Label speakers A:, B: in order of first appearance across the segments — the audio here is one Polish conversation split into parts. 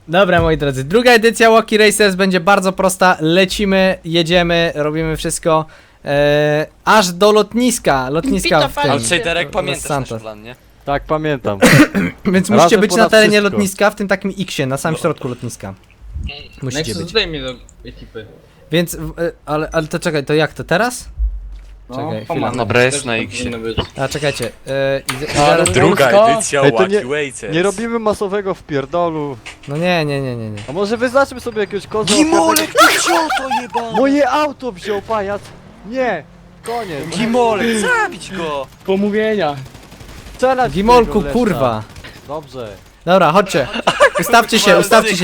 A: Dobra, moi drodzy, druga edycja Wacky Racers będzie bardzo prosta. Lecimy, jedziemy, robimy wszystko aż do lotniska w tym.
B: Outsiderek,
A: Los
B: pamiętasz nasz
A: Santos.
B: plan, nie?
C: Tak, pamiętam.
A: Więc
C: Razem
A: musicie być na
C: ponad
A: terenie
C: wszystko.
A: lotniska, w tym takim X-ie, na samym środku lotniska. Musicie
D: Nexus,
A: być.
D: dodaj mnie do ekipy.
A: Więc, ale to czekaj, to jak to teraz? Czekaj, chwila.
B: Dobra, jest
D: Też
B: na
D: tak
B: X-ie.
D: powinno być.
A: A czekajcie,
B: Druga edycja
C: Ej, to nie-
B: Wacky Racers.
C: Nie robimy masowego wpierdolu.
A: no nie.
C: A może wyznaczmy sobie jakiegoś kozła?
B: Gimolek, ty wziął to jeba!
C: Moje auto wziął pajac! Nie! Koniec!
B: Gimolek, zabić go!
E: Pomówienia.
C: Strzelać w
A: Gimolku,
C: tego leszcza.
A: kurwa.
C: Dobrze.
A: Dobra, chodźcie. Ustawcie się.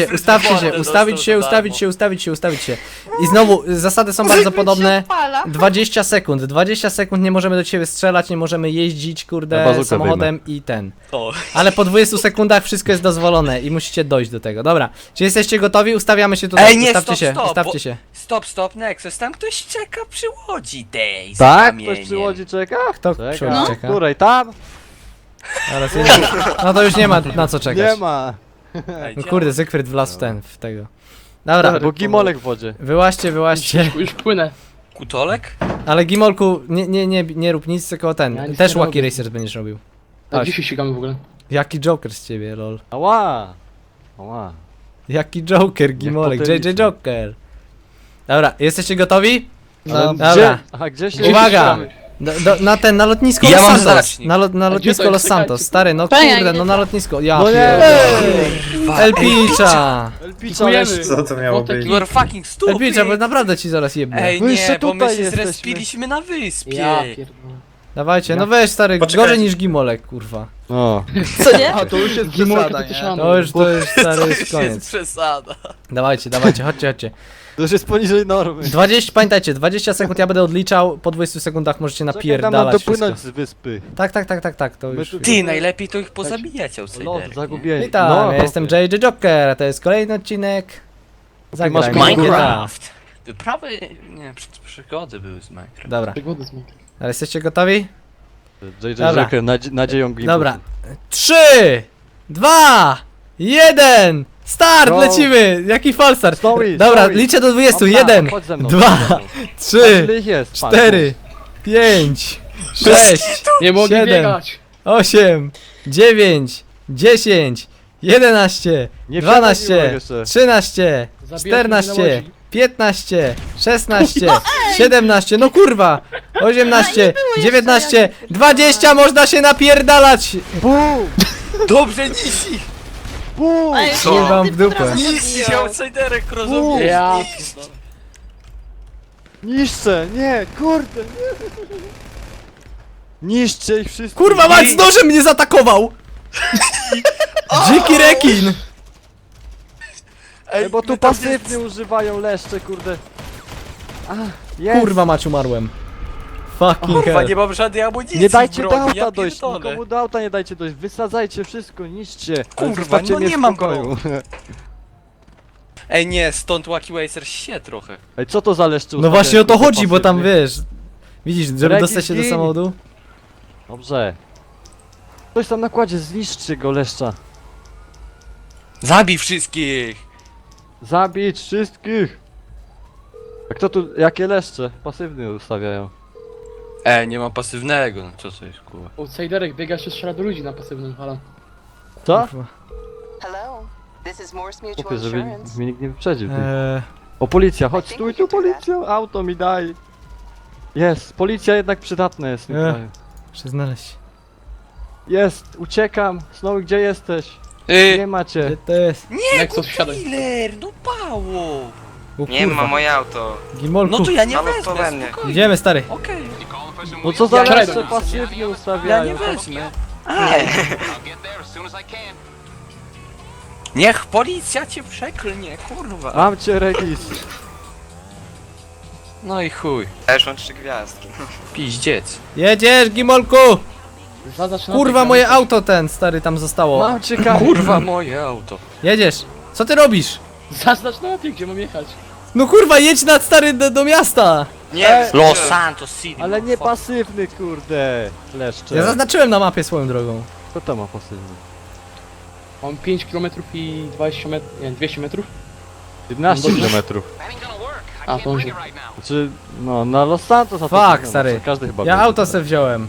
A: Ustawić się. I znowu, zasady są bardzo podobne. 20 sekund. 20 sekund nie możemy do ciebie strzelać, nie możemy jeździć,
C: Na
A: kurde,
C: bazukę
A: samochodem i ten.
B: O.
A: Ale po 20 sekundach wszystko jest dozwolone i musicie dojść do tego. Dobra, czy jesteście gotowi? Ustawiamy się tutaj.
B: Ej, nie,
A: Ustawcie
B: stop,
A: się,
B: stop,
A: ustawcie
B: bo-
A: się.
B: Stop, Nexus, tam ktoś czeka przy łodzi tej z
C: Tak?
B: kamieniem.
C: Ktoś przy łodzi czeka?
A: Kto
C: Czeka.
A: przy łodzi czeka?
C: Której? Tam?
A: Zaraz, nie. No to już nie ma na co czekać.
C: Nie ma.
B: Ej,
A: No kurde, Zygfryd wlazł w tego. Dobra,
C: Bo Gimolek w wodzie.
A: wyłaźcie.
E: Już płynę.
B: Kutolek?
A: Ale Gimolku, nie rób nic, tylko ten.
E: Ja nic
A: Też
E: nie
A: Wacky
E: robię.
A: Racers będziesz robił.
E: A
A: Chodź.
E: dzisiaj ścigamy w ogóle.
A: Jaki Joker z ciebie, lol.
C: Ała! Ała.
A: Jaki Joker, Gimolek,
C: potem
A: JJ Joker. Dobra, jesteście gotowi?
C: Ale
A: dobra.
C: gdzie? Aha, gdzie się...
A: Uwaga! Na lotnisko
B: Ja
A: Los
B: mam
A: Santos.
B: znacznik.
A: Na lotnisko
E: to
A: Los
E: jest?
A: Santos,
E: Czekajcie.
A: stary, no
F: Pania,
A: kurde,
F: gdzie
A: no na
F: to?
A: lotnisko. Ja
C: No nie!
A: Elpicza!
C: Elpicza,
E: Dziękujemy.
G: Co to miało
E: Młotek
G: być?
B: You are fucking stupid!
A: Elpicza, bo naprawdę ci zaraz jebnę.
B: Ej,
C: My
B: nie,
C: jeszcze
B: bo my
C: tutaj
B: się
C: jesteśmy.
B: zrespiliśmy na wyspie.
E: Ja pierdolę.
A: Dawajcie, no weź stary,
G: Poczekajcie.
A: gorzej niż Gimolek, kurwa.
C: O.
F: Co nie?
G: A to już jest
E: Gimolka
G: przesada,
E: to
G: nie?
E: szano.
A: To już stary,
B: To
A: jest
B: już
A: koniec.
B: jest przesada.
A: Dawajcie, chodźcie.
C: To już jest poniżej normy.
A: 20, pamiętajcie, 20 sekund ja będę odliczał, po 20 sekundach możecie
C: Czekaj, nam
A: napierdalać
C: dopłynąć
A: wszystko.
C: z wyspy.
A: Tak, to
C: My
A: już.
C: tu-
B: Ty, najlepiej to ich pozabijać,
C: Lot,
B: outsiderki.
C: zagubieni.
A: Witam,
C: No,
A: ja jestem JJ Joker, a to jest kolejny odcinek. Zagrajmy
C: masz
A: w GTA.
B: Minecraft! Prawie, nie, przygody były z Minecraft.
A: Dobra,
E: Przygody z Minecraft.
A: ale jesteście gotowi?
C: JJ
A: Dobra.
C: Joker, nadzieją Gimolku.
A: Dobra. 3, 2, 1, start,
C: Go.
A: lecimy! Jaki falstart?
C: Story,
A: Dobra,
C: story.
A: liczę do 20,
C: Dobra,
A: 1,
C: chodź ze mną,
A: 2,
C: chodź ze mną.
A: 3,
C: Ile ich jest? Patrz,
A: 4, 5, 6,
E: Nie mogę
A: 7,
E: biegać.
A: 8, 9, 10, 11,
C: Nie wsiadaj, Gimolek,
A: 12,
C: jeszcze.
A: 13,
E: Zabijać mnie na
A: 14,
E: łodzi.
A: 15, 16, 17, no kurwa, 18, 19, 20, można się napierdalać!
C: Bum!
B: Dobrze, nisi!
C: Bum!
F: Ej,
B: Co?
A: Nie wam w
F: ty
A: dupę.
F: potrafisz
B: Nisi,
F: odbijać.
B: outsiderek, rozumiesz?
E: Ja
C: Niszczę! Nie, kurde! Nie. Niszczę ich wszystkich!
A: Kurwa mać, z nożem mnie zaatakował! Dziki rekin!
C: Ej, bo tu
B: my tam
C: pasywnie używają leszcze, kurde. A, jest!
A: Kurwa mać, umarłem. Fucking
B: Kurwa,
A: hell.
B: nie mam żadnej amunicji
C: Nie dajcie
B: w
C: do
B: broni,
C: auta
B: ja
C: dojść,
B: pierdolę.
C: nikomu do auta nie dajcie dojść, wysadzajcie wszystko, niszczcie. Ale
B: Kurwa,
C: zostawcie
B: no
C: mnie
B: nie
C: w
B: mam
C: spokoju.
B: Ej, nie, stąd Wacky Racers się trochę.
C: Ej, co to za leszcze
A: No właśnie o to
C: ustawiają,
A: chodzi, bo tam
C: pasywnie?
A: wiesz... Widzisz, żeby
C: Rekin,
A: dostać się do
C: gin.
A: samochodu?
C: Dobrze. Ktoś tam na kładzie, zniszczy go leszcza.
B: Zabij wszystkich!
C: Zabić wszystkich! A kto tu, jakie leszcze? Pasywnie ustawiają.
B: Nie mam pasywnego, no co to jest, kurwa.
E: outsiderek biega się strzela do ludzi na pasywnym, halo.
C: Co?
A: Kurwa.
H: Hello, this is Morse Mutual
C: Kupię, żeby
H: Insurance.
C: mnie nikt nie wyprzedził. Ty.
A: Eee,
C: O, policja, chodź, stój tu, policja! Auto mi daj! Jest, policja jednak przydatna jest w tym kraju.
A: muszę znaleźć.
C: Jest, uciekam! Snowy, gdzie jesteś? Nie macie.
A: Gdzie to jest?
E: Nexus wsiadaj.
B: Killer, no pało!
A: O,
G: Nie
A: kurwa.
G: ma moje auto.
A: Gimolku,
B: No to ja nie
G: Halo,
B: wezmę,
G: to we mnie.
B: spokojnie.
A: idziemy stary.
B: Okej,
C: No co za
E: Ja
C: leszcze
E: nie-
C: pasywnie
B: ja
C: ustawiają?
B: nie wezmę. Niech policja cię przeklnie, kurwa.
C: Mam cię, Regis.
B: No i chuj,
G: Ja już mam 3 gwiazdki.
B: piździec.
A: Jedziesz, Gimolku!
E: Zaznacz na
A: Kurwa,
E: ekranie.
A: moje auto ten, stary, tam zostało.
C: Mam cię, Kamil.
B: Kurwa, moje auto.
A: Jedziesz. Co ty robisz?
E: Zaznacz na mapie, gdzie mam jechać.
A: No kurwa, jedź na stary do miasta!
G: Nie!
B: Los Santos City.
C: Ale nie
B: fuck.
E: Mam 5 km i 20 metrów, nie, 200 metrów.
C: 11
E: Dobrze.
C: km.
E: A, to może.
C: Znaczy, no na Los Santos a to
A: Fuck,
C: no,
A: stary.
C: Każdy chyba
A: Ja
C: wie.
A: auto se wziąłem.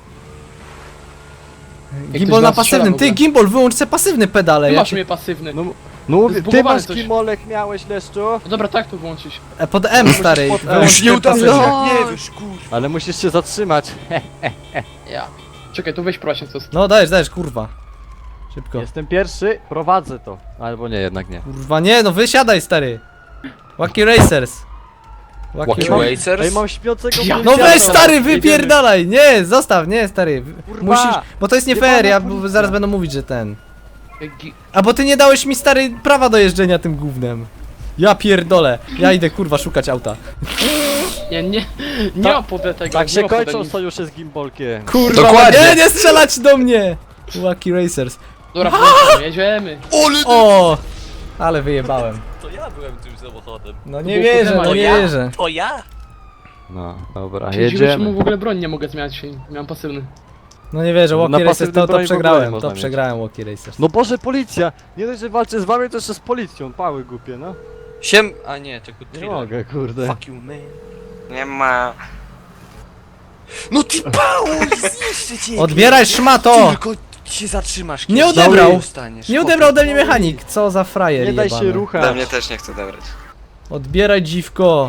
E: ktoś
A: Gimbal na
E: nas strzela
A: pasywnym.
E: w
A: Ty,
E: ogóle.
A: Gimbal, wyłącz se pasywny pedale.
E: Ty
A: Ja
E: masz
A: ci...
E: mnie pasywny.
C: No, no mówię, ty
E: Zbugowane
C: masz
E: coś.
C: kimolek miałeś, Leszczu?
E: No dobra, tak to włączyć.
A: Pod M, stary.
C: pod-
A: Wyłącz
C: Już
A: te
C: nie udało
A: pasywne.
C: się.
B: Nie wiesz, kurwa.
C: Ale musisz się zatrzymać.
E: Ja. Czekaj, tu weź proszę coś.
A: No dajesz, kurwa. Szybko.
C: Jestem pierwszy, prowadzę to. Albo nie, jednak nie.
A: Kurwa, nie, no wysiadaj, stary. Wacky Racers.
B: Wacky
A: Ra-
B: Racers?
C: Ej, mam śpiącego
E: Ja-
A: No
C: policjanta.
A: weź, stary,
E: Jedziemy.
A: wypierdalaj. Nie, zostaw, nie, stary.
C: Kurwa.
A: Musisz, bo to jest nie
C: Jebana
A: fair, ja
C: policja.
A: zaraz będą mówić, że ten. A bo ty nie dałeś mi, stary, prawa do jeżdżenia tym gównem. Ja pierdolę. Ja idę, kurwa, szukać auta.
E: Nie
C: Tak-
E: ma pode tego.
C: Tak
E: nie
C: się
E: ma pode
C: kończą
E: nic.
C: sojusze z Gimbolkiem.
A: Kurwa,
B: Dokładnie.
A: nie strzelać do mnie. Wacky Racers.
E: Dobra, włączamy, jedziemy.
A: O, ale wyjebałem.
B: To ja byłem tym samochodem.
A: No
E: To
A: nie
E: było
A: wierzę,
E: podema,
A: no nie
E: ja?
A: wierzę.
B: To ja?
C: No, dobra,
E: Dziwię się,
C: jedziemy.
E: mu w ogóle broń nie mogę zmieniać. Miałem pasywny.
A: No nie wierzę,
C: Na
A: Wacky Racers,
C: pasywnym
A: to
C: broni w ogóle nie
A: przegrałem,
C: można
A: to
C: mieć.
A: przegrałem Wacky Racers.
C: No Boże, policja! Nie dość, że walczę z wami, to jeszcze z policją. Pały głupie, no.
B: A nie, tylko
C: Nie
B: thriller.
C: mogę, kurde.
B: Fuck you, man.
G: Nie ma...
B: No ty pało, zniszczę cię!
A: Odbieraj, szmato!
B: Tylko się zatrzymasz.
A: Nie
B: kiedyś.
A: odebrał.
B: No i dostaniesz.
A: Nie odebrał ode mnie mechanik, co za frajer
C: Nie daj się
A: jebany.
G: Ode
C: ruchać.
G: mnie też nie chce odebrać.
A: Odbieraj, dziwko.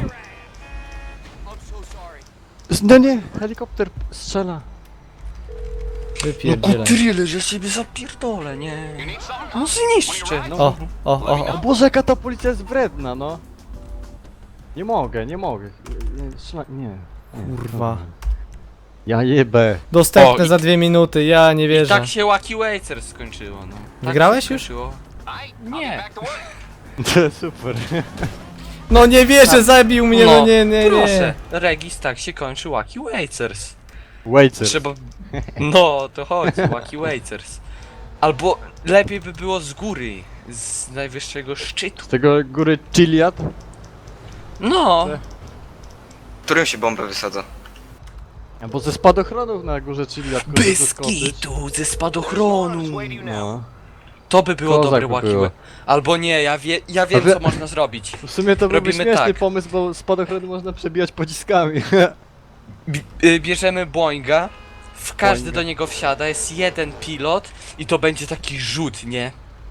C: No nie, helikopter strzela.
B: No
A: Wypierdzielaj.
B: thriller, że siebie zapierdolę, nie. No zniszczę, no.
C: O Boże, jaka ta policja jest wredna, no. Nie mogę. Nie.
A: Kurwa.
C: Ja jebę.
A: Dostępne
B: O, i-
A: za 2 minuty, ja nie
B: I
A: wierzę.
B: tak się Wacky Racers skończyło, no. Tak
A: Wygrałeś
B: się
A: już?
B: skończyło. Nie.
C: Super.
A: No nie wierzę, zabił mnie, no nie.
B: Proszę, Regis, tak się kończy Wacky Racers.
C: Waiter.
B: Trzeba... No, to chodzi, Wacky Racers. Albo lepiej by było z góry, z najwyższego szczytu.
C: Z tego góry Chiliad.
B: No,
G: Którym się bombę wysadza?
C: Albo ze spadochronów na górze Chiliad. kurde,
B: bez
C: zeskoczyć.
B: kitu, ze spadochronu.
C: No.
B: To by było
C: Kozak
B: dobre
C: by
B: Wacky
C: było.
B: Wa- Albo nie, ja wiem
C: A wie-
B: co można zrobić.
C: W sumie to byłby
B: Robimy
C: śmieszny
B: tak.
C: pomysł, bo spadochrony można przebijać pociskami.
B: Bierzemy Boeinga, każdy
C: Boeinga.
B: do niego wsiada, jest jeden pilot i to będzie taki rzut, nie?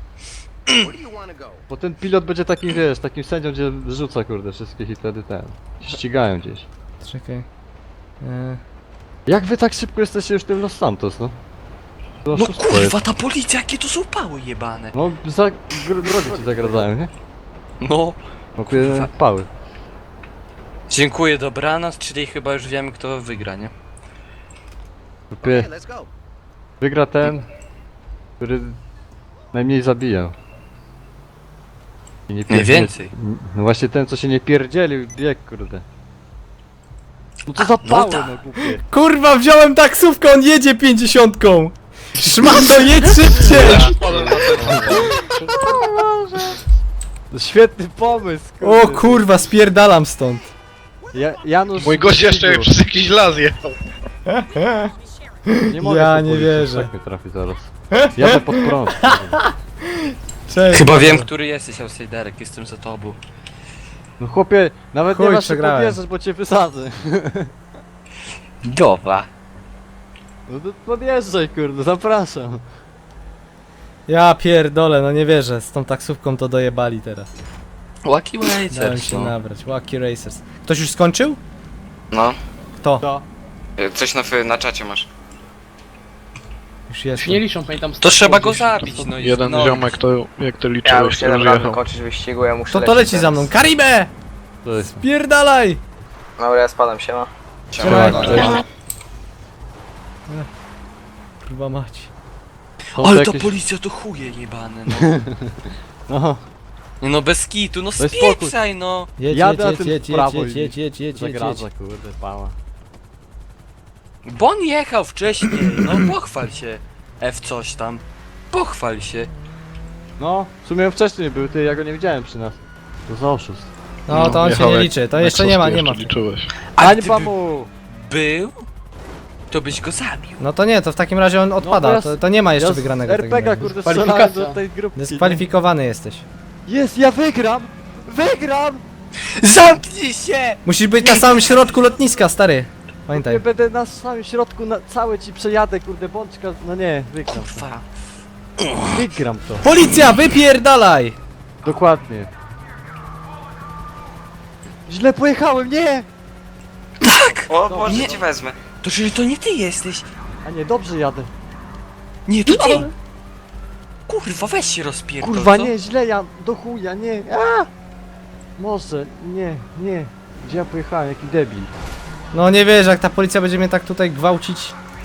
C: Bo ten pilot będzie takim, wiesz, takim sędzią, gdzie rzuca, kurde, wszystkich i wtedy się ścigają gdzieś.
A: Czekaj.
C: Jak wy tak szybko jesteście już w tym Los Santos, no? To
B: No
C: oszustwo jest.
B: kurwa, ta policja, jakie to są pały jebane.
C: No, drogi ci zagradzają, nie?
B: No.
C: No, pały.
B: Dziękuję, dobranoc, czyli chyba już wiemy kto wygra, nie?
C: Kupie. Wygra ten, który najmniej zabija. I nie
B: Najwięcej.
C: No właśnie ten, co się nie pierdzielił, bieg, kurde. No to za
B: no
C: pały,
B: tak.
C: no głupie.
A: Kurwa, wziąłem taksówkę, on jedzie 50. Szmato, jedź szybciej!
C: To świetny pomysł, kurde.
A: O kurwa, spierdalam stąd.
C: Janusz...
D: Mój gość jeszcze
C: Sigur.
D: przez jakiś las jechał.
C: Nie mogę
A: Ja
C: po
A: nie
C: policji,
A: wierzę.
C: Tak mi trafi zaraz. Jadę pod prąd.
A: Cześć.
B: Chyba wiem, który jesteś, Outsiderek, jestem za tobą.
C: No chłopie, nawet
A: Chuj,
C: nie masz się
A: przegrałem.
C: podjeżdżać, bo cię wysadzę.
B: Dobra.
C: No to podjeżdżaj, kurde, zapraszam.
A: Ja pierdolę, no nie wierzę, z tą taksówką to dojebali teraz.
B: Wacky
A: Dałem
B: Racers,
A: się
B: no.
A: nabrać, Wacky Racers. Ktoś już skończył?
G: No.
A: Kto?
C: To.
G: Coś na czacie masz.
A: Już
E: Już
A: jest.
E: nie liczą, pamiętam.
B: To trzeba go
E: gdzieś.
B: zabić, no i
D: Jeden
B: no.
D: ziomek to, jak ty
F: Ja
D: liczyłeś,
F: już
D: to
F: jeden
D: już
F: raz
D: jechał.
F: kończyć wyścigu, ja muszę
A: To
F: lecieć
A: leci za
F: teraz.
A: mną. Karibę!
C: To jest...
A: Pierdalaj!
F: Dobra, ja spadam, siema.
A: Trzymaj.
D: Cześć.
A: Kurwa mać.
C: Są
B: Ale
C: to
B: ta
C: jakieś-
B: policja to chuje jebane, no.
C: No,
B: Nie no, bez kitu, no
C: Daj spokój.
B: spieprzaj, no.
A: Jedź,
C: Jadę, a
A: jedź,
C: tym
A: jedź,
C: w
A: jedź,
C: prawo
A: jedź,
C: i
A: jedź, jedź, jedź, jedź, jedź.
C: zagradza, kurde, pała.
B: Bo on jechał wcześniej, no pochwal się. F coś tam. Pochwal się.
C: No, w sumie wcześniej był, ty, ja go nie widziałem przy nas. To za oszust.
A: No to on się
D: Jechał
A: nie
D: jak-
A: liczy, to
D: jak
A: jeszcze nie ma,
D: Soski
A: nie ma.
D: jeszcze liczyłeś.
B: A
C: Hańba
B: gdyby
C: mu!
B: był, to byś go zabił.
A: No to nie, to w takim razie on odpada,
C: ja
A: to nie ma jeszcze
C: Ja z
A: wygranego. w takim
C: RPG
A: razie.
C: kurde
E: Kwalifikacja.
C: strzelałem do tej grupki.
A: Dyskwalifikowany jesteś.
C: Jest, ja wygram! Wygram!
B: Zamknij się!
A: Musisz być na samym środku lotniska, stary. Pamiętaj.
C: Ja będę na samym środku, całe ci przejadę, kurde, bączka. No nie, wygram.
B: Kurwa.
C: Wygram to.
A: Policja, wypierdalaj!
C: Dokładnie. Źle pojechałem, nie!
G: O,
C: No,
G: może
B: nie.
G: cię wezmę.
B: To czyli to nie ty jesteś.
C: A nie, dobrze jadę.
B: Nie, to ty. Kurwa, weź się rozpierdol,
C: Kurwa,
B: co?
C: nie, źle ja, do chuja, nie. A! Może, nie, nie. Gdzie ja pojechałem, jaki debil.
A: No nie wiesz, jak ta policja będzie mnie tak tutaj gwałcić.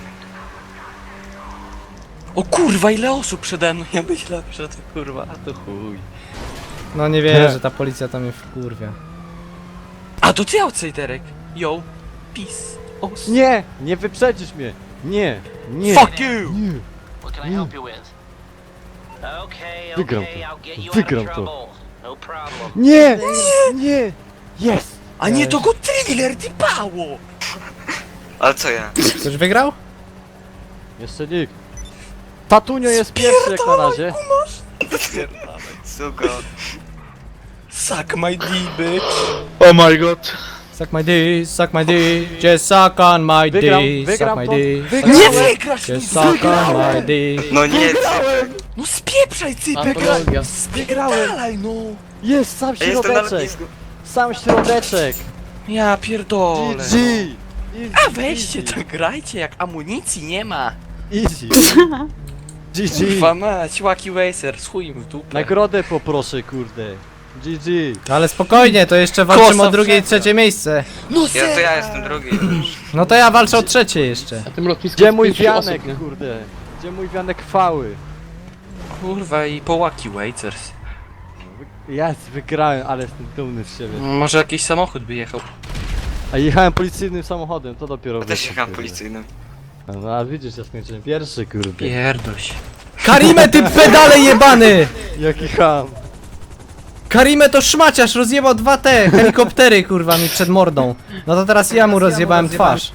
B: O kurwa, ile osób przede mną. Ja myślałem, że to kurwa, a to chuj.
A: No nie wiesz, że ta policja tam mnie wkurwia.
B: A to ty outsiderek. Yo. Peace. O,
C: Nie, nie wyprzedzisz mnie. Nie, nie.
B: fuck you!
C: Nie.
D: What can I help you with? Okay,
C: Wygram
D: okay,
C: to.
D: I'll get you
C: Wygram
D: out of
C: to.
D: trouble. No problem.
C: Nie, nie. Jest.
B: A nie, to go thriller, ty pało!
G: Ale co ja?
A: Ktoś wygrał?
C: Jeszcze nikt. Tatunio jest pierwszy jak na razie.
G: Suko.
B: Suck my D, bitch.
A: Suck my D, suck my D, just suck on my D,
C: Wygram
A: suck my
C: to.
A: D,
B: Nie wygrasz, nie
A: just suck on my D.
G: No nie,
B: No spieprzaj, cypek!
E: Patologia.
B: Spierdalaj, no!
C: Jest sam
G: ja jestem na
C: środeczek.
G: lotnisku.
C: Sam środeczek.
B: Ja pierdolę.
C: GG. Easy,
B: A weźcie,
C: easy.
B: to grajcie, jak amunicji nie ma.
C: Easy. GG.
B: Kurwa mać, Wacky Racer, chuj im w dupę.
C: Nagrodę poproszę, kurde. GG.
A: Ale spokojnie, to jeszcze walczymy
B: Kosa
A: o drugie i
B: wszędzie.
A: trzecie miejsce.
B: No
G: Ja jestem drugi już.
A: No to ja walczę o trzecie jeszcze.
E: Na tym lotnisku
C: Gdzie
E: jest
C: mój
E: 5
C: wianek,
E: osób, nie?
C: kurde? Gdzie mój wianek chwały?
B: Kurwa i po Wacky Racers.
C: Jest, wygrałem, ale jestem dumny z siebie.
B: Może jakiś samochód by jechał.
C: A jechałem policyjnym samochodem, to dopiero
G: Ja też
C: wyszło,
G: jechałem
C: kurde.
G: policyjnym.
C: No a widzisz, ja skończyłem pierwszy, kurde.
B: Pierdol się.
A: Karimę, ty pedale jebany!
C: Jaki ham.
A: Karimę to szmaciarz, rozjebał dwa te helikoptery, kurwa, mi przed mordą. No to teraz ja mu rozjebałem twarz.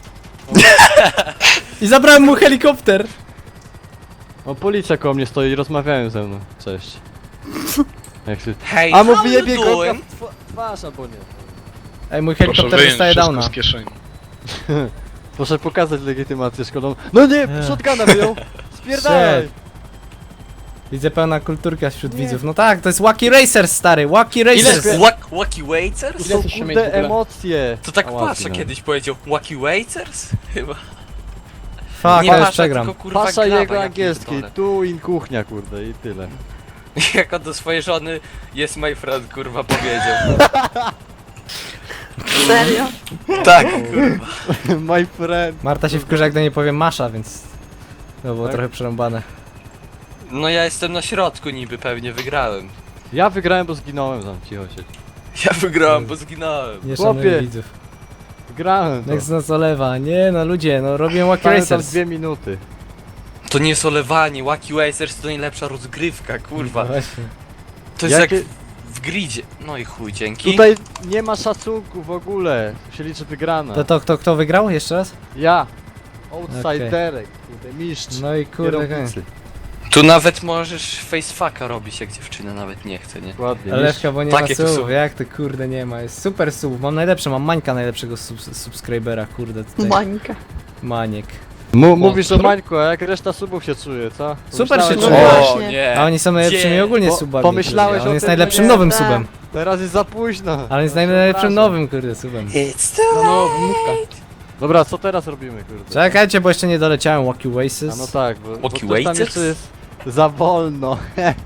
A: I zabrałem mu helikopter.
C: O, policja koło mnie stoi i rozmawiają ze mną. Cześć. Jak się...
B: Hej,
C: A mu
B: how
C: wyjebie
B: you
C: go
B: doing?
C: w twarz albo nie.
A: Ej, mój helikopter dostaje downa.
C: Proszę pokazać legitymację szkolną. No nie, shotguna wyjął! Spierdalaj!
A: Shit. Widzę pełna kulturka wśród widzów. No tak, to jest Wacky Racers, stary, Wacky Racers.
B: Wacky Racers?
C: To są
E: chcesz się mieć w
C: kurde
E: ogóle?
C: emocje!
B: To tak
C: A,
B: Pasza
C: ładnie, no.
B: kiedyś powiedział. Wacky Racers? Chyba.
A: Fuck,
B: Nie
A: ja już
B: Pasza,
A: przegram.
B: tylko kurwa
C: Pasza
B: Glaba,
C: jego
B: ja
C: angielski,
B: pierdolę.
C: tu in kuchnia, kurde, i tyle.
B: Jak on do swojej żony jest my friend, kurwa, powiedział.
H: Serio?
B: Tak, kurwa.
C: My friend.
A: Marta się wkurza, jak do niej powiem Masza, więc... To było
C: Tak?
A: trochę przerąbane.
B: No ja jestem na środku niby, pewnie wygrałem.
C: Ja wygrałem, bo zginąłem tam, cicho się.
B: Ja wygrałem, bo zginąłem.
A: Nie
C: Chłopie.
A: szanuję widzów.
C: Wygrałem to.
A: Next nas olewa. Nie no ludzie, no robię Wacky
C: Stałem tam
A: Racers.
C: 2 minuty.
B: To nie jest olewanie, Wacky Racers to najlepsza rozgrywka, kurwa.
A: No właśnie.
B: To jest
C: Jakie-
B: jak w gridzie. No i chuj, dzięki.
C: Tutaj nie ma szacunku w ogóle. Tu się liczy wygrana.
A: To kto wygrał? Jeszcze raz?
C: Ja. Outsiderek, kurde, mistrz.
A: No i kurde,
C: kierownicy.
B: Tu nawet możesz facefucka robić, jak dziewczyna nawet nie chce, nie?
C: Dokładnie,
A: Ale
C: mistrz.
A: chyba nie
B: Takie
A: ma
B: tu
A: słów,
B: są.
A: jak to kurde nie ma, jest super słów, mam najlepsze, mam Mańka najlepszego subskrybera, kurde tutaj.
H: Mańka.
A: Maniek.
C: Mówisz o Mańku, a jak reszta subów się czuje, co?
A: Super się
C: Pomyślałeś,
A: czuje.
C: że-
B: O
H: właśnie.
B: nie!
A: A oni są najlepszymi
B: Gdzie?
A: ogólnie
C: Bo-
A: subami.
C: pomyślałeś
A: kurde.
C: o
A: On jest
C: tym,
A: najlepszym
C: że-
A: nowym
H: Tak.
A: subem.
C: Teraz jest za późno.
A: Ale on jest
C: Ja
A: najlepszym
C: przepraszam.
A: nowym kurde subem.
B: It's
E: No, wymówka.
C: Dobra, co teraz robimy, kurde?
A: Czekajcie, bo jeszcze nie doleciałem Wacky
C: A
A: Races.
C: no tak, bo
B: Walkie
C: coś tam
B: Wacers?
C: jeszcze jest za wolno.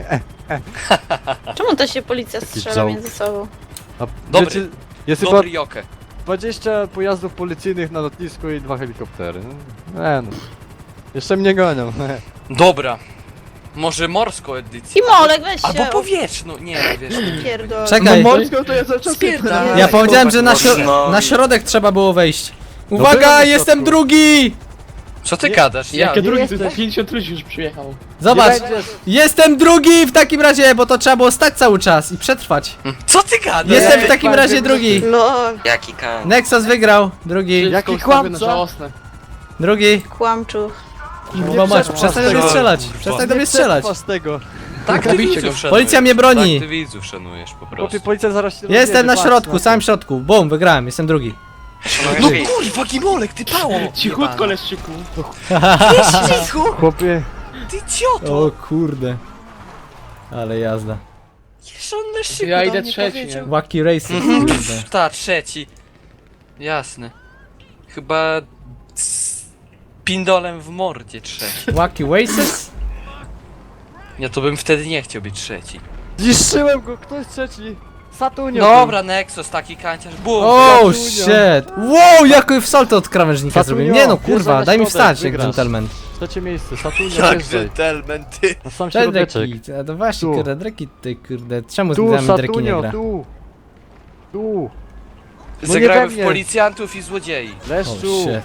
I: Czemu to się policja strzela
C: joke.
I: między sobą?
C: A
B: Dobry.
C: wiecie, jest chyba
B: dobry joke.
C: 20 pojazdów policyjnych na lotnisku i 2 helikoptery. No. Jeszcze mnie gonią.
B: Dobra. Może morską edycję.
I: I Molek, weź
B: Albo
I: się
B: powietrzną, nie wiesz.
I: pierdol.
A: Czekaj,
E: Morską to ja cały czas
B: Spierdalaj.
A: ja powiedziałem, że
G: No.
A: na środek trzeba było wejść.
C: byłem
A: Uwaga,
C: na
A: jestem
C: środku.
A: drugi!
B: Co ty
C: Nie.
B: gadasz? Ja.
E: Jakie drugi, to
C: jesteś.
E: jest 50 ludzi już przyjechało.
A: Zobacz,
C: Nie będziesz.
A: jestem drugi w takim razie, bo to trzeba było stać cały czas i przetrwać.
B: Co ty gadasz?
A: Jestem w
C: Nie,
A: takim
C: pan
A: razie
C: nie
A: drugi.
H: Lol.
G: Jaki kan?
A: Nexus wygrał, drugi.
C: Jaki
E: Wszystko ustawione
C: kłamca?
E: żałosne.
A: Drugi.
I: Kłamczu.
A: Kurwa mać, przestań do mnie strzelać. Przestań do mnie strzelać.
C: Z tego.
B: Tak ty widzów szanujesz.
A: Policja mnie broni.
B: Tak ty widzów szanujesz po
C: Chłopie,
B: prostu.
C: policja zaraz się
A: Jestem
C: rozjedzie,
A: na
C: patrz
A: środku,
C: to.
A: samym środku. Bum, wygrałem, jestem drugi.
B: No kurwa, Gimolek, ty pało!
E: Cichutko, Leszczyku.
C: Chłopie,
B: Ty idioto!
A: O kurde. Ale jazda.
B: Jeszcze on Leszczyku
E: Ja
B: do
E: idę
B: mnie
E: trzeci,
B: powiedział.
E: nie?
A: Wacky Races, kurde.
B: Ta, trzeci. Jasne. Chyba... z pindolem w mordzie trzeci.
A: Wacky Races?
B: Ja to bym wtedy nie chciał być trzeci.
C: zniszczyłem go, kto jest trzeci? Satunio.
B: Dobra, Nexus, taki kanciarz, bum!
A: Oh
C: Satunio.
A: shit! Wow, jakoś salto od krawężnika
C: Satunio,
A: zrobiłem. Nie no,
C: wjeżdżaj
A: kurwa,
C: na
A: daj mi
C: środek,
A: wstać jak
C: wygrasz.
A: gentleman.
C: Trzecie miejsce, Satunio,
B: Jak
C: wjeżdżaj.
B: gentleman, ty!
C: Na sam
A: Cześć
C: środeczek.
A: Dreki, a to właśnie
C: Tu.
A: kurde, Dreki ty kurde, czemu z
C: Tu,
A: nami Dreki nie
C: Satunio,
A: gra?
C: tu. Tu. No nie
B: Zagramy
C: we
B: w
C: mnie.
B: policjantów i złodziei.
A: Oh
C: Leszczu.
A: shit.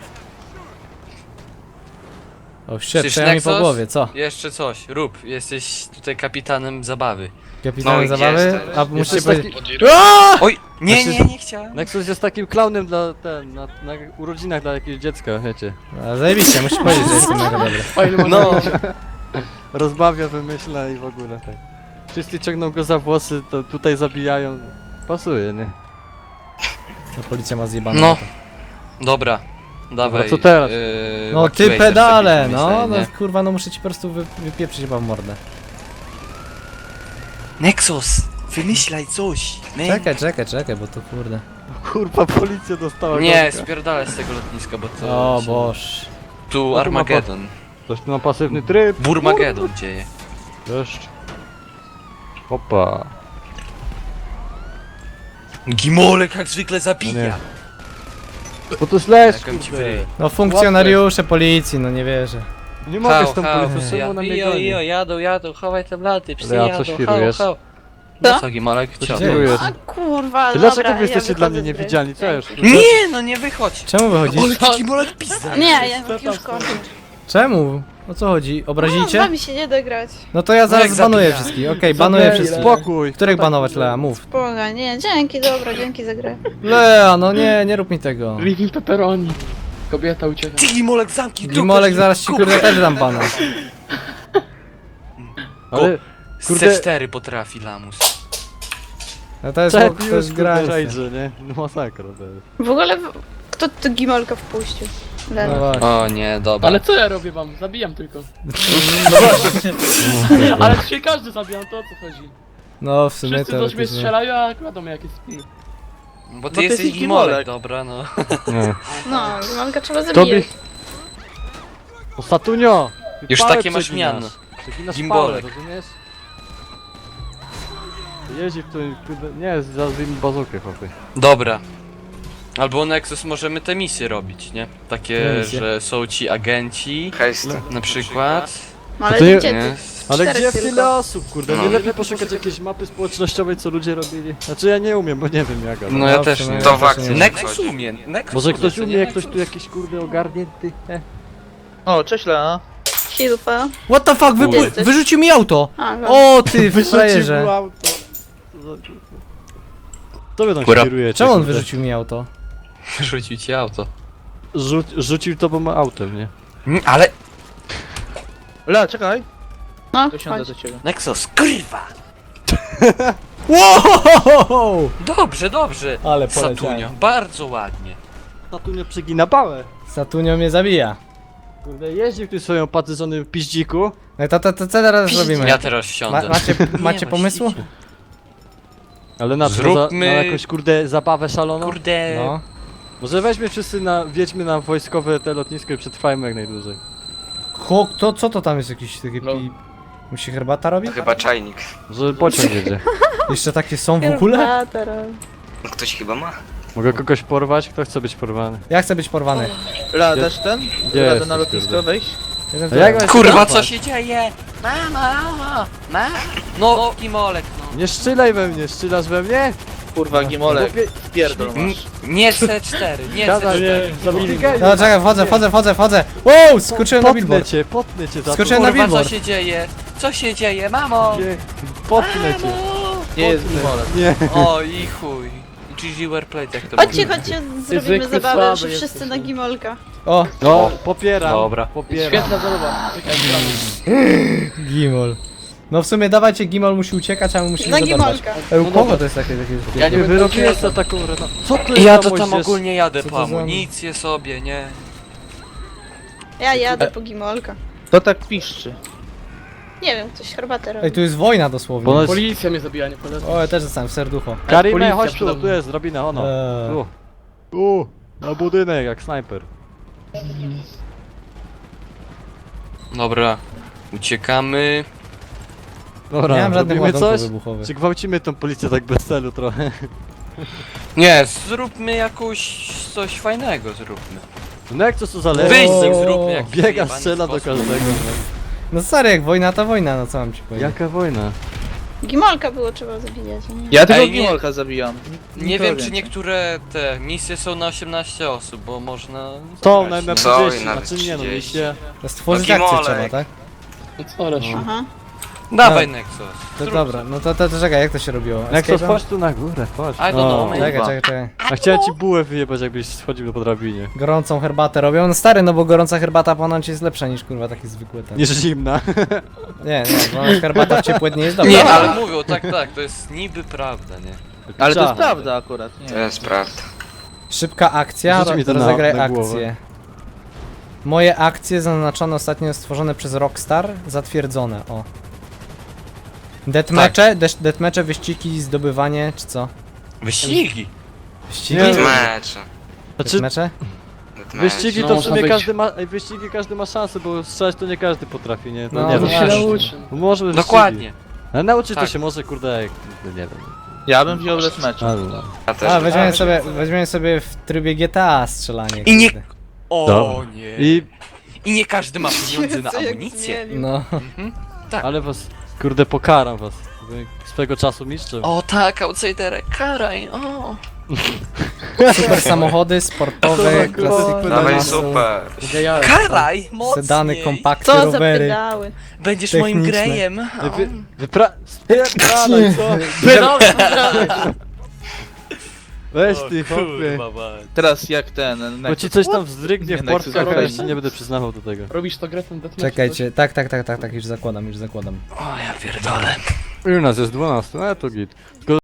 A: Oh shit,
B: Przecież
A: przejęła mi po
B: Nexus?
A: głowie, co?
B: Jeszcze coś, rób, jesteś tutaj kapitanem zabawy.
A: Kapitanem
G: No i
A: zabawy?
G: jestem.
A: A musicie
C: Jesteś
A: powiedzieć... Aaaa!
B: Oj, nie,
C: Znaczy-
B: nie, nie chciałem.
C: Nexus jest takim klaunem dla na urodzinach dla jakiegoś dziecka, wiecie.
A: A, zajebiście, musisz powiedzieć, że jestem mega dobry.
E: Fajny
B: No,
C: Rozbawia, wymyśla i w ogóle tak. Wszyscy ciągną go za włosy, to tutaj zabijają. Pasuje, nie?
A: No, policja ma zjebane.
B: No.
A: na to.
B: dobra. Dawaj.
C: co teraz?
A: No
B: Wacky
A: ty
B: Racer
A: pedale,
B: sobie
A: no,
B: wymyślaj,
A: no
B: nie?
A: kurwa, no muszę ci po prostu wypieprzyć chyba w mordę.
B: Nexus, wymyślaj coś.
A: Czekaj, bo to kurde.
C: Kurwa, policja dostała
B: Nie,
C: gościa.
B: spierdalaj z tego lotniska, bo to...
A: O
B: się-
A: boż.
B: Tu Armagedon.
C: Coś tu na pasywny tryb.
B: Burmagedon dzieje.
C: Deszcz. Opa.
B: Gimolek jak zwykle
C: Nie.
B: zabija.
C: Bo to jest lesz,
B: Jaką ci
C: kurde.
B: wyryj.
A: No funkcjonariusze policji, no nie wierzę.
C: Nie mogę z tą policją, czemu na mnie
B: Ijo,
C: goni?
B: jadą, chowaj te blaty, psy
C: Ale a co świrujesz?
B: No co Gimolek,
C: Co
B: cio?
C: się dzieje?
I: A kurwa,
C: Ty
I: dobra,
C: dlaczego wy jesteście
I: ja
C: dla mnie
I: wychodzę z gry.
C: niewidzialni? Co ja już?
B: Nie, no nie wychodź.
A: Czemu wychodzisz?
B: Ale Gimolek pizda.
I: Nie, ja już kończę.
A: Czemu? O co chodzi?
I: No, z
A: Obrazicie?
I: wami się nie da grać.
A: No to ja zaraz
B: jak
A: banuję
B: zabija.
A: wszystkich, okej, banuję
C: Zabij,
A: wszystkich.
C: Spokój.
A: Których
C: Kto tak
A: banować,
C: mówi?
A: Lea? Mów.
I: Poga, nie, dzięki, dobra, dzięki za grę.
A: Lea, no nie rób mi tego.
E: Living pepperoni. Kobieta ucieka.
B: Ty Gimolek zamknij dupę.
A: Gimolek zaraz ci kurde też dam bana.
C: Ale kurde,
B: C4 potrafi lamus.
A: No to jest,
C: czep
A: to
C: już
A: jest
C: kurde
A: granice.
C: rajdże, nie? No masakra to jest.
I: W ogóle, kto tu Gimolka wpuścił?
A: No
I: Lena.
A: właśnie.
B: O nie, dobra.
E: Ale co ja robię wam? Zabijam tylko. Ale dzisiaj każdy zabijam, to o co chodzi?
A: No w sumie
E: Wszyscy
A: to...
E: do mnie strzelają, a kładą mnie jakieś spiny.
B: Bo ty
E: ty
B: jesteś
E: jesteś
B: Gimolek,
E: Gimolek.
B: dobra no.
C: Nie.
I: No, Gimolka trzeba
C: Tobie...
I: zabijać.
C: O Satunio! Ty
B: Już
C: pałę
B: takie masz
C: przeginasz.
B: miano.
C: Przeginasz
B: Gimbolek.
C: pałę, rozumiesz? Jeździ w tym, kurde, nie, zazwij mi bazookę, chłopie.
B: Dobra. Albo Nexus możemy te misje robić, nie? Takie,
A: Jakie misje?
B: że są ci agenci,
G: Hejst.
B: na przykład.
I: No, ale
C: to nie-
I: gdzie
B: Nie?
I: ty?
C: Ale
I: Czterech
C: gdzie
I: tylko.
C: tyle osób, kurde?
G: No.
C: Nie lepiej poszukać jakiejś mapy społecznościowej, co ludzie robili? Znaczy ja nie umiem, bo nie wiem jak, ale...
B: No ja
A: w
B: też
A: sumie
B: nie.
G: To
A: ja
G: w
A: też
G: akcji.
A: nie wiem.
B: Nexus umie, Nexus
C: Może ktoś
B: umie,
C: umie,
B: nie?
C: ktoś tu jakiś kurde ogarnięty?
E: O, cześć Lea.
I: Hilfa.
A: What the fuck,
I: Jesteś.
A: wyrzucił mi auto!
I: A, no.
A: O ty
C: Wyrzucił
A: frajerze!
C: auto. Co wy tam
B: Kura.
C: kierujecie?
A: Czemu on
C: kurde?
A: wyrzucił mi auto?
B: Rzucił ci auto.
C: Rzucił to, bo ma autem, nie?
B: Ale
E: Lea, czekaj.
I: No,
E: To siądę
I: chodź.
E: do ciebie.
B: Nexus, kurwa!
A: Wow!
B: Dobrze, dobrze.
A: Ale
B: Satunio,
A: poleciałem.
B: bardzo ładnie.
C: Satunio przegina pałę.
A: Satunio mnie zabija.
C: Kurde, jeździ w tym swoim opatrzonym piździku.
A: No to co teraz robimy?
B: Ja teraz wsiądę.
A: Macie pomysłu?
B: właściwie.
C: Ale na co?
B: Zróbmy-
C: Na jakąś kurde zabawę szaloną?
B: Kurde.
A: No.
C: Może weźmy wszyscy wjedźmy na wojskowe te lotnisko i przetrwajmy jak najdłużej.
A: Co to tam jest jakiś taki
E: No.
A: Musi herbata robić?
G: To chyba czajnik.
C: Może pociąg jedzie.
A: Jeszcze takie są w ogóle?
I: Herbata,
G: No ktoś chyba ma.
C: Mogę kogoś porwać? Kto chce być porwany?
A: Ja chcę być porwany.
E: Lea, też ten?
C: Gdzie
E: Radę
C: jesteś,
E: na lotnisko
C: kurde?
E: wejść?
C: A jak mam się
B: Kurwa,
C: porwać?
B: co się dzieje? Mama. No, Gimolek, no.
C: Nie strzelaj we mnie, strzelasz we mnie?
E: Kurwa, Gimolek.
C: Chłopie,
E: Pierdol
B: Mm,
E: masz.
B: Nie C4, nie
C: Siadaj,
B: C4.
C: zabili.
A: No czekaj, wchodzę. Wow, skoczyłem na
C: Potnę
A: billboard.
C: cię za to.
A: Skoczyłem na
B: Kurwa, co
A: billboard.
B: się dzieje? Co się dzieje, mamo?
C: Nie, potnę cię.
E: Nie jest Gimolek.
C: Nie.
B: O i chuj. I GG Warplate, jak to
I: Chodźcie,
B: mówię.
I: chodźcie, zrobimy zabawę, że wszyscy na gimolka.
A: O,
C: No, popieram.
B: Dobra.
C: Popieram.
E: Świetna zabawa.
A: Gimol. No w sumie dawajcie, Gimol musi uciekać, a my musimy
I: Na
A: zadbać.
I: gimolka.
A: U kogo to jest takie
C: Ja nie wyrobiłem za taką no. Co to jest
B: Ja
C: za
B: to tam
C: moździerz?
B: ogólnie jadę
A: Co
B: po
A: to za-
B: amunicję sobie, nie?
I: Ja jadę po gimolka.
E: To tak piszczy.
I: Nie wiem, ktoś herbatę robi.
A: Ej, tu jest wojna dosłownie.
C: Bo jest...
J: Policja mnie zabija, nie polecam.
A: O, ja też zostałem w serducho.
C: Karime,
J: Policja
C: chodź tu,
J: przede mną.
C: tu jest drabina, ono. Tu, na budynek, jak snajper.
B: Dobra. Uciekamy.
C: Dobra,
A: Nie mam żadnych
C: robimy
A: ładunków
C: coś?
A: wybuchowych.
C: Czy gwałcimy tą policję tak bez celu trochę?
B: Nie, zróbmy jakoś coś fajnego, zróbmy.
C: No jak to co zależy?
B: Wyjść zróbmy jakiś
C: Biega,
B: zjebany
C: strzela do
B: sposób.
C: każdego.
A: No stary, jak wojna to wojna, no co mam ci powiedzieć.
C: Jaka wojna?
I: Gimolka było trzeba zabijać, a nie?
E: Ja tylko
B: Ej, nie.
E: Gimolka zabijam.
B: Nie
E: Nikogo
B: wiem, czy
E: więcej.
B: niektóre te misje są na 18 osób, bo można...
C: To
B: zagrać,
C: na
B: nie?
G: Co?
C: 30,
G: Nawet
C: znaczy nie no,
G: 30.
C: liście.
A: To stworzyć
G: No,
A: akcję
G: Gimolek.
A: trzeba, tak?
J: No co, Lesiu?
I: Aha.
B: Dawaj Nexus.
A: To
B: zrób
A: dobra, no to czekaj, jak to się robiło?
C: Jak to
A: Escape'em?
C: chodź tu na górę, chodź.
B: I don't know, man.
A: Czekaj.
C: A chciałem ci bułę wyjebać, jakbyś schodził po drabinie.
A: Gorącą herbatę robią. No stary, no bo gorąca herbata ponoć jest lepsza niż kurwa taki zwykły ten.
C: Niż zimna.
A: Nie, bo herbata w ciepłe dnie jest dobra.
B: Nie, ale mówią, tak, to jest niby prawda, nie?
E: Ale to jest
C: Czad.
E: prawda akurat.
G: To
E: Nie.
G: jest prawda.
A: Szybka akcja,
C: Rzuć mi to na-
A: rozegraj
C: na głowę.
A: akcję. Moje akcje zaznaczone ostatnio stworzone przez Rockstar, zatwierdzone, o. Deathmatche, deathmatche, wyścigi, zdobywanie, czy co?
B: Wyścigi!
A: Wyścigi?
C: Nie.
G: Mecze.
C: Znaczy,
A: Deathmatche?
C: wyścigi
J: No,
C: to w
J: można
C: sumie
J: być.
C: każdy ma, ej, wyścigi każdy ma szansę, bo strzelać to nie każdy potrafi, nie?
A: No,
C: No, nie
A: no
C: wiem.
J: się
A: właśnie.
J: nauczy.
C: Może wyścigi.
B: Dokładnie.
C: Ale nauczyć to
B: Tak.
C: się może, kurde, jak, no nie wiem.
E: Ja bym wziął deathmatch.
C: Ale,
G: Ja też.
A: A, weźmiemy sobie w trybie GTA strzelanie.
B: I nie...
A: kurde.
B: O
C: Dobra.
B: nie.
C: I,
B: I nie każdy ma pieniądze na
I: Co jak
B: amunicję.
I: zmienił.
A: No.
C: ale was, kurde, pokaram was. Wy swego czasu mistrzem.
B: O tak, outsiderek, karaj, o.
A: Super samochody, sportowe, klasyki.
G: Dawaj
A: masu,
G: super.
J: Gejale.
B: Karaj, mocniej.
A: sedany, kompakty,
I: Co za
A: rowery.
I: pedały.
B: Będziesz moim
A: techniczne.
B: grejem.
C: Spierdalaj, co? Weź ty, chłopie.
B: Kurwa, mać.
E: Teraz jak ten...
C: Bo ci coś tam wzdrygnie w
E: Nie,
C: portkach,
E: Nexus
C: a ja
E: robi.
C: ci nie będę przyznawał do tego.
J: Robisz to grę ten deathmatch?
A: Czekajcie, tak, już zakładam.
B: O ja pierdolę.
C: I u nas jest 12, ale to git. Tylko